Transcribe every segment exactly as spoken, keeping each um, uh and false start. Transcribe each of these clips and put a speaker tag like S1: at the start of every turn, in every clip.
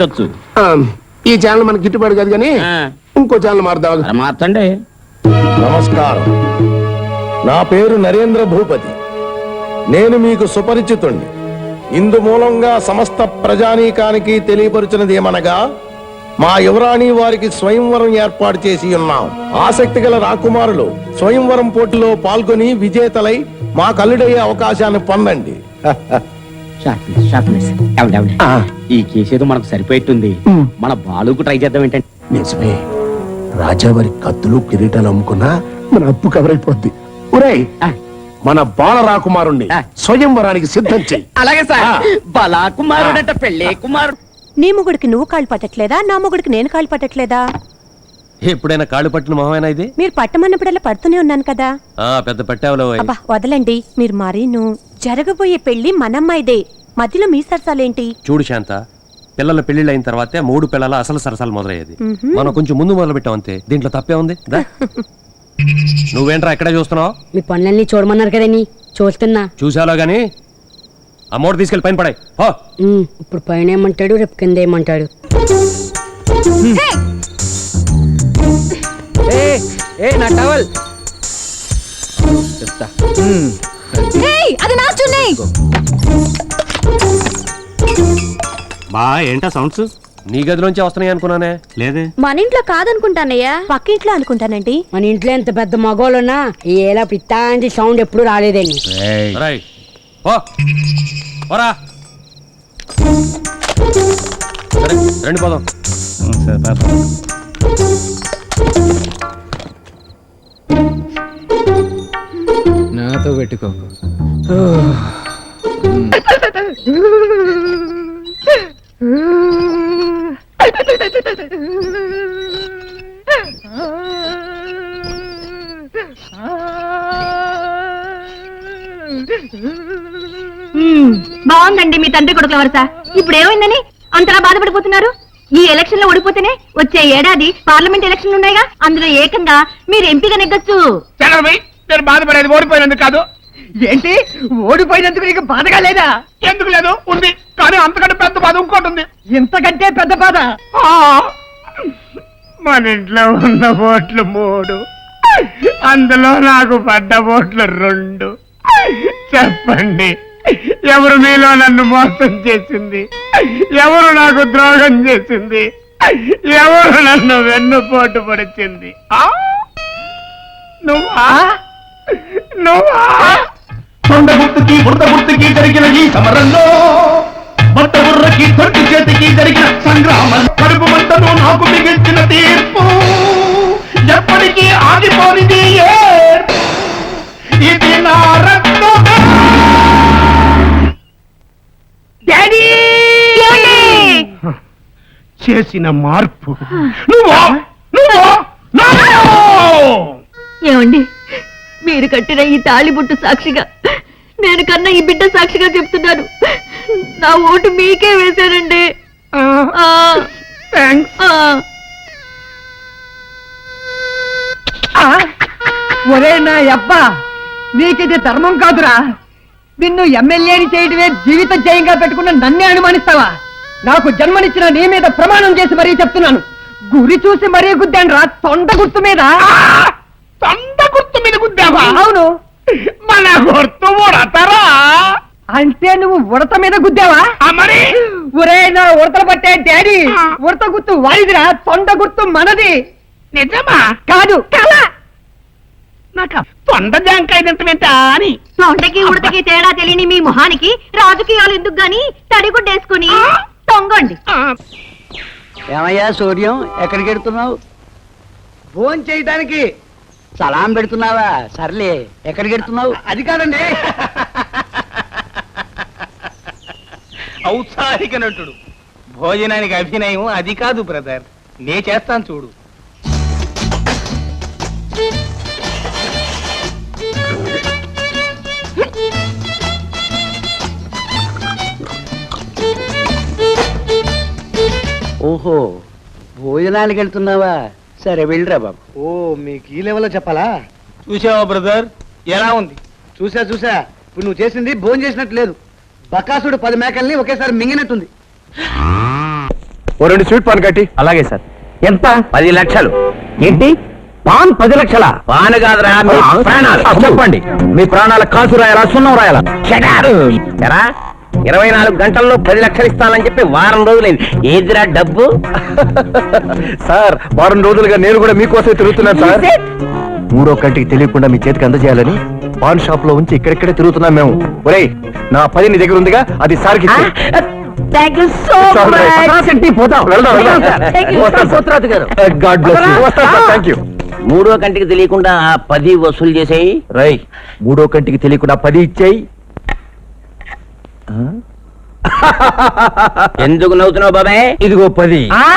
S1: ఈ ఛానల్ మనకి గిట్టుబాటు కాదు కానీ ఇంకో ఛానల్ మారుదాం.
S2: మార్చండి.
S3: నమస్కారం, నా పేరు నరేంద్ర భూపతి. నేను మీకు సుపరిచితుణ్ణి. ఇందు మూలంగా సమస్త ప్రజానీకానికి తెలియపరుచినది ఏమనగా, మా యువరాణి వారికి స్వయంవరం ఏర్పాటు చేసి ఉన్నాం. ఆసక్తి గల రాకుమారులు స్వయంవరం పోటీలో పాల్గొని విజేతలై మా కల్లుడయ్యే అవకాశాన్ని పొందండి.
S2: ఈ కేసేదో మనకు సరిపోయింది. మన బాలుకు ట్రై చేద్దాం ఏంటంటే.
S1: నిజమే, రాజావారి కత్తులు కిరీటాలు అమ్ముకున్నా మన అప్పు కవర్ అయిపోద్ది. ఒరేయ్, మన బాల రాకుమారుణ్ణి స్వయంవరానికి సిద్ధం చెయ్యి.
S2: అలాగే సార్. బాలా కుమారుడంట పెళ్ళే కుమారుడు.
S4: నీ మొగుడికి నువ్వు కాళ్ళు పట్టట్లేదా? నా మొగుడికి నేను కాళ్ళు పట్టట్లేదా?
S5: ఎప్పుడైనా కాళ్ళు పట్టిన మొహమేనా ఇది?
S4: మీరు పట్టమన్నప్పుడల్లా పడుతూనే ఉన్నాను కదా.
S5: ఆ పెద్ద పట్టావులో.
S4: అబ్బా వదలండి మీరు. మరీను జరగబోయే పెళ్లి మనమ్మాయిదే, మధ్యలో మీ సరసాలేంటి?
S5: చూడు శాంత, పిల్లల పెళ్లిళ్ళు అయిన తర్వాతే మూడు పిల్లల అసలు సరసాలు మొదలయ్యేది. మనం కొంచెం ముందు మొదలు పెట్టాం అంతే. దీంట్లో తప్పే ఉంది. నువ్వేంట్రా ఎక్కడే చూస్తున్నావు?
S6: మీ పనులన్నీ చూడమన్నారు కదండి, చూస్తున్నా.
S5: చూసాలో గాని అమ్మోడు తీసుకెళ్లి పైన పడాయి.
S6: ఇప్పుడు పైన ఏమంటాడు, రేపు కింద ఏమంటాడు.
S2: నా టవల్ చెప్తా.
S4: అది నా చున్నీ.
S7: బా ఏంటా సౌండ్స్?
S5: నీ గదిలోంచి వస్తున్నాయి అనుకున్నానే.
S7: లేదే,
S4: మన ఇంట్లో కాదనుకుంటానయ్యా, పక్క ఇంట్లో అనుకుంటానండి.
S6: మన ఇంట్లో ఎంత పెద్ద మగోళ్ళున్నా ఏలా పిత్తాంటి సౌండ్ ఎప్పుడు రాలేదండి.
S5: రండి పోదాం.
S2: నాతో పెట్టుకో.
S8: బాగుందండి మీ తండ్రి కొడుకుల వరుస. ఇప్పుడు ఏమైందని అంతలా బాధపడిపోతున్నారు? ఈ ఎలక్షన్ లో ఓడిపోతేనే వచ్చే ఏడాది పార్లమెంట్ ఎలక్షన్ ఉన్నాయిగా, అందులో ఏకంగా మీరు ఎంపీగా నెగ్గొచ్చు.
S1: నేను బాధపడేది ఓడిపోయినందుకు కాదు.
S2: ఏంటి ఓడిపోయినందుకు నీకు బాధగా లేదా?
S1: ఎందుకు లేదు, ఉంది. కానీ అంతకంటే పెద్ద బాధ ఇంకోటి ఉంది.
S2: ఇంతకంటే పెద్ద బాధ?
S1: మన ఇంట్లో ఉన్న ఓట్లు మూడు, అందులో నాకు పడ్డ ఓట్లు రెండు. చెప్పండి, ఎవరు మీలో నన్ను మోసం చేసింది? ఎవరు నాకు ద్రోహం చేసింది? ఎవరు నన్ను వెన్నుపోటు పడిచింది? నువ్వా? నువ్వా?
S3: కొండ గుర్తుకి బురద గుర్తుకి జరిగిన ఈ సమరంలో, బట్ట బుర్రకి తొట్టి చేతికి జరిగిన సంగ్రామం, కడుపు మంటను నాకు మిగిల్చిన తీర్పు ఎప్పటికీ ఆగిపోనిది. ఇది నా రక్తం. చేసిన మార్పు నువ్వు
S8: ఏమండి, మీరు కట్టిన ఈ తాళిబుట్టు సాక్షిగా, నేను కన్నా ఈ బిడ్డ సాక్షిగా చెప్తున్నాను, నా ఓటు మీకే వేశానండి.
S2: ఒరే నా అబ్బా, నీకిది ధర్మం కాదురా. నిన్ను ఎమ్మెల్యేని చేయడమే జీవిత జయంగా పెట్టుకున్న నన్నే అనుమానిస్తావా? నాకు జన్మనిచ్చిన నీ మీద ప్రమాణం చేసి మరీ చెప్తున్నాను, గురి చూసి మరీ గుద్దాను రా, తొండ గుర్తు మీద.
S1: తొండ గుర్తు మీద గుద్దావా?
S2: అవును.
S1: మన గుర్తు ఉడతారా?
S2: అంటే నువ్వు ఉడత మీద గుద్దావా?
S1: మరి
S2: ఒరే నా ఉడతలు పట్టే డాడీ, ఉడత గుర్తు వాడిదిరా, తొండ గుర్తు మనది.
S1: నిజమా?
S2: కాదు కళ.
S1: నాకు తొండ జాంకాయ తింటమేంటా అని.
S8: తొండకి ఉడతకి తేడా తెలియని మీ మొహానికి రాజకీయాలు ఎందుకు గాని తడిగుడ్డేసుకుని తొంగండి.
S2: ఏమయ్యా సూర్యం, ఎక్కడికి వెళ్తున్నావు?
S1: ఫోన్ చేయడానికి.
S2: సలాం పెడుతున్నావా? సర్లే, ఎక్కడికి వెళ్తున్నావు?
S1: అది కాదండి.
S9: ఔత్సాహిక నటుడు, భోజనానికి అభినయం అది కాదు బ్రదర్, నే చేస్తాను చూడు.
S2: ఓహో, భోజనానికి వెళ్తున్నావా? సరే వెళ్ళరా బాబు.
S1: ఓ, మీకు ఈ లెవెల్లో చెప్పాలా?
S9: చూసావా బ్రదర్, ఎలా ఉంది?
S1: చూసా చూసా. ఇప్పుడు నువ్వు చేసింది భోజనం చేసినట్టు లేదు, బకాసుడు పది మేకల్ని ఒకేసారి మింగినట్టుంది. ఓ రెండు స్వీట్ పాన్ కట్టి.
S7: అలాగే సార్.
S9: ఎంత? పది లక్షలు. ఏంటి పాన్ పది లక్షల? పాన్ కాదురా, మీ ప్రాణాలు. చెప్పండి, మీ ప్రాణాల కాసు రాయాలా సున్నం రాయాలా? ఎరా ఇరవై నాలుగు గంటల్లో పది లక్షలు ఇస్తానని చెప్పి వారం రోజులైంది. ఏదిరా డబ్బు?
S1: సార్ వారం రోజులుగా నేను కూడా మీకోసం తిరుగుతున్నాను సార్. మూడో కంటికి తెలియకుండా మీ చేతికి అందజేయాలని పాన్ షాప్ లో ఉంచి ఇక్కడిక్కడే తిరుగుతున్నాం మేము. ఒరేయ్, నా పది నీ దగ్గర ఉందిగా, అది సార్కి ఇచ్చేయ్.
S6: థ్యాంక్ యూ సో
S1: పోతాం, వెళ్దాం, వెళ్దాం.
S9: పోతురాజు గారు,
S1: గాడ్ బ్లెస్ యు. వస్తాను సార్, థ్యాంక్ యూ.
S9: మూడో కంటికి తెలియకుండా ఆ పది వసూలు చేసేయి.
S1: రై, మూడో కంటికి తెలియకుండా పది ఇచ్చేయి.
S9: ఎందుకు నవ్వుతున్నావు బాబాయ్?
S1: ఇదిగో పది.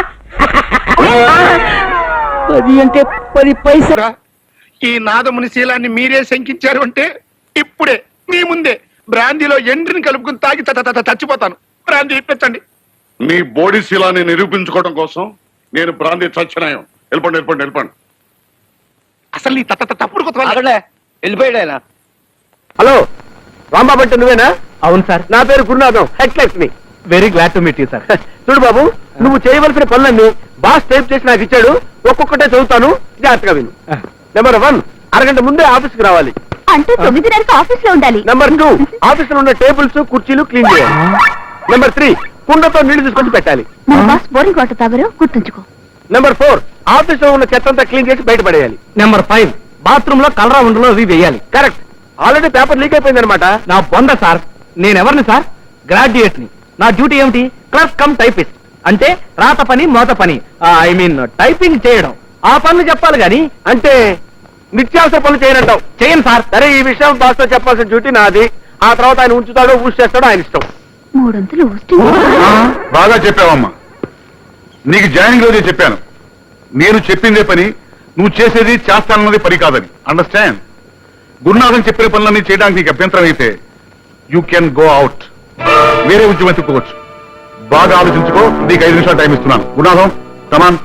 S9: పది అంటే పది పైసలు.
S3: ఈ నాదముని శీలాన్ని మీరే శంకించారు అంటే ఇప్పుడే మీ ముందే బ్రాందీలో ఎండ్రిని కలుపుకుని తాగి త- త- త- చచ్చిపోతాను. బ్రాందీ ఇప్పించండి.
S10: మీ బాడీ శీలాన్ని నిరూపించుకోవడం కోసం నేను బ్రాందీ చచ్చినాయం. వెళ్ళిపోండి వెళ్ళిపోండి వెళ్ళిపోండి.
S3: అసలు ఈ త- త- తప్పుడు కొత్త
S9: వెళ్ళిపోయాడు ఆయన.
S1: హలో, రాంబాబు అంటే నువ్వేనా?
S7: అవును సార్.
S1: నా పేరు Gurunatham, head Lakshmi.
S7: Very glad to meet you sir.
S1: చూడు బాబు, నువ్వు చేయవలసిన పనులన్నీ బాస్ టైప్ చేసి నాకు ఇచ్చాడు. ఒక్కొక్కటే చదువుతాను, జాగ్రత్తగా విను. నెంబర్ వన్, అరగంట ముందే ఆఫీస్కి రావాలి.
S8: అంటూ తొమ్మిదిన్నరకు ఆఫీస్ లో ఉండాలి.
S1: నెంబర్ టూ, ఆఫీస్ లో ఉన్న టేబుల్స్ కుర్చీలు క్లీన్ చేయాలి. నెంబర్ త్రీ, కుండతో నీళ్లు తీసుకొచ్చి పెట్టాలి.
S8: మన బాస్ బోరింగ్ వాటర్ తాగరు, గుర్తుంచుకో.
S1: నెంబర్ ఫోర్, ఆఫీస్ లో ఉన్న చెత్త అంతా క్లీన్ చేసి బయటపడేయాలి.
S7: నెంబర్ ఫైవ్, బాత్రూమ్ లో కలరా ఉండలో అవి వేయాలి.
S1: కరెక్ట్. ఆల్రెడీ పేపర్ లీక్ అయిపోయింది అనమాట.
S7: నా బొంద సార్. నేనెవరిని సార్? గ్రాడ్యుయేట్ ని. నా డ్యూటీ ఏమిటి? Clerk cum typist. అంటే రాత పని మోత పని, ఐ మీన్ టైపింగ్ చేయడం. ఆ పనులు చెప్పాలి గాని
S1: అంటే నిత్యావసర పనులు చేయనంటావు.
S7: చేయను సార్.
S1: సరే, ఈ విషయం బాస్ తో చెప్పాల్సిన డ్యూటీ నాది. ఆ తర్వాత ఆయన ఉంచుతాడో ఊసి చేస్తాడో ఆయన ఇష్టం.
S8: మూడొంతులు ఊస్ట్
S10: బాగా చెప్పావమ్మా. నీకు జాయినింగ్ రోజే చెప్పాను, నేను చెప్పిందే పని, నువ్వు చేసేది చేస్తానన్నది పని కాదని. అండర్స్టాండ్? గురునాథన్ చెప్పిన పనులన్నీ చేయడానికి నీకు అభ్యంతరం అయితే యూ కెన్ గో అవుట్. వేరే ఉద్యోగం తిప్పుకోవచ్చు. బాగా ఆలోచించుకో. నీకు ఐదు నిమిషాలు టైం ఇస్తున్నాను. గురునాథం, కమాన్.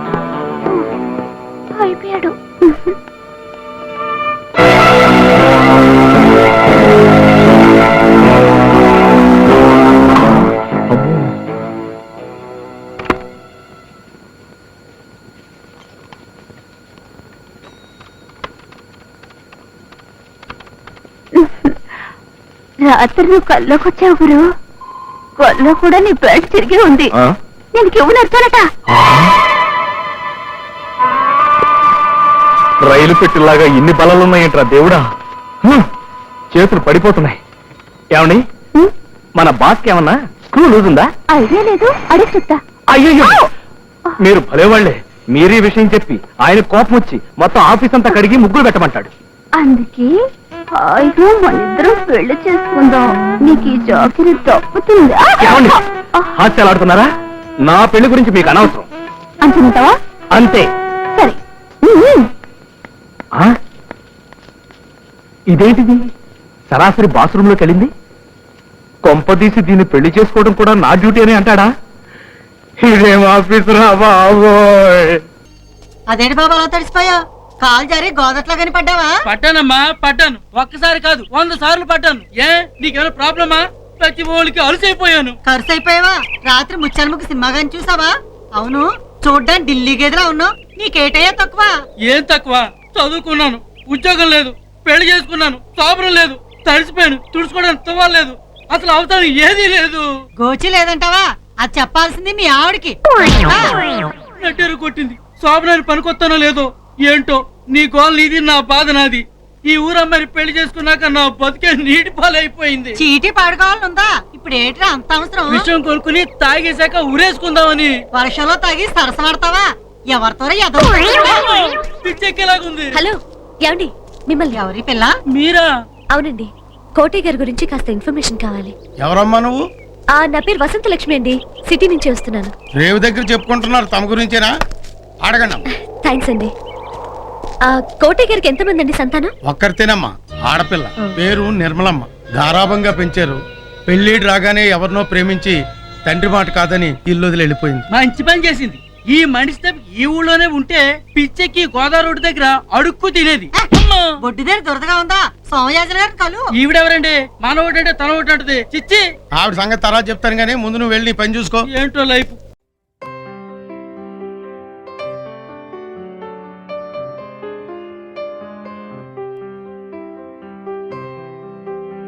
S8: అయిపోయాడు. రాత్రి నువ్వు కల్లోకి వచ్చావు గురు. కల్లో కూడా నీ బెల్ట్ తిరిగి ఉంది. నేను కివ్వు నచ్చాలట.
S7: రైలు పెట్టిలాగా ఇన్ని బలాలున్నాయంట్రా దేవుడా. హ్మ్. చేతులు పడిపోతున్నాయి. ఏమండి, మన బాస్కి ఏమన్నా స్క్రూ లూజ్ ఉందా?
S8: ఐడియా లేదు, అడిగి చెప్తా.
S7: అయ్యో, మీరు భలేవాళ్లే. మీరే విషయం చెప్పి ఆయన కోపం వచ్చి మొత్తం ఆఫీస్ అంతా కడిగి ముగ్గులు పెట్టమంటాడు.
S8: అందుకే హాయిగా మన ఇద్దరం పెళ్లి చేసుకుందాం. నీకు ఈ జాకిరి తప్పుతుందా?
S7: ఏమండి, హాస్యాలు ఆడుతున్నారా? నా పెళ్లి గురించి మీకు అనవసరం.
S8: అంటున్నావా?
S7: అంతే.
S8: సరే.
S7: ఆ? ఇదేంటిది? సరాసరి బాత్రూమ్ లోకి వెళ్ళింది. కొంపదీసి దీన్ని పెళ్లి చేసుకోవడం కూడా నా డ్యూటీ అని అంటాడా? ఇదేం ఆఫీస్ రా బాబోయ్.
S2: అదేంటి బాబా అలా తడిసిపోయా? కాలు జారి గోదట్లో కనిపడ్డావా?
S11: పట్టానమ్మా, పట్టాను. ఒక్కసారి కాదు, వంద సార్లు పట్టాను. ఏ నీకేమైనా ప్రాబ్లమా? ప్రతి ఓళ్ళకి అలసైపోయాను.
S2: ఖర్చు అయిపోయావా? రాత్రి ముచ్చాలముఖి సినిమా గాని చూసావా? అవును, చూడ్డానికి ఢిల్లీ గదిలా ఉన్నావు. నీకేటయ్యా తక్కువ?
S11: ఏం తక్కువ? చదువుకున్నాను, ఉద్యోగం లేదు, పెళ్లి చేసుకున్నాను, సోపరం లేదు, తడిసిపోయాను, తుడుచుకోవడానికి తువ్వలేదు, అసలు అవసరం ఏదీ లేదు.
S2: గోచి లేదంటావా? అది చెప్పాల్సింది మీ ఆవిడికి.
S11: నెట్టేరు కొట్టింది. శోభనాన్ని పనికొత్తానో లేదో ఏంటో, నీ గోల్ నీది, నా బాధ నాది. ఈ ఊరమ్మని పెళ్లి చేసుకున్నాక నా బతికే నీటి పాలైపోయింది.
S2: చీటీ పాడుకోవాలనుందా? ఇప్పుడు ఏంట్రా అంత అవసరం?
S11: విషయం కొనుక్కుని తాగేశాక ఉరేసుకుందామని.
S2: వర్షంలో తాగి సరసమాడతావా? ఎవరితో
S11: పిచ్చెక్కేలాగుంది.
S8: హలో, ఏమండి, మిమ్మల్ని.
S2: ఎవరి పిల్ల?
S11: మీరా?
S8: అవునండి, కోటయ్య గారి గురించి కాస్త ఇన్ఫర్మేషన్ కావాలి.
S3: ఎవరమ్మా నువ్వు?
S8: ఆ నా పేరు వసంత లక్ష్మి అండి, సిటీ నుంచి వస్తున్నాను.
S3: రేవు దగ్గర చెప్పుకుంటున్నారు తమ గురించేనా? అడగండి.
S8: థ్యాంక్స్ అండి. ఆ కోటయ్య గారికి ఎంతమంది అండి సంతానం?
S3: ఒక్కరితేనమ్మా, ఆడపిల్ల. పేరు నిర్మలమ్మ. గారాభంగా పెంచారు. పెళ్లిడు రాగానే ఎవరినో ప్రేమించి తండ్రి మాట కాదని ఇల్లు వదిలి వెళ్ళిపోయింది.
S11: మంచి పని చేసింది. ఈ మనిషి ఈ ఊళ్ళోనే ఉంటే పిచ్చెక్కి గోదావరి రోడ్డు దగ్గర అడుక్కు తినేది.
S2: బొడ్డు దగ్గర దురదగా ఉందా? సోమయాజన గారు కలు.
S11: ఈవిడెవరండి? మన ఒకటంటే తన ఒకటి అంటది. చిచ్చి,
S3: ఆవిడ సంగతి తర్వాత చెప్తాను గానీ ముందు నువ్వు వెళ్ళి నీ పని చూసుకో.
S11: ఏంటో లైఫ్.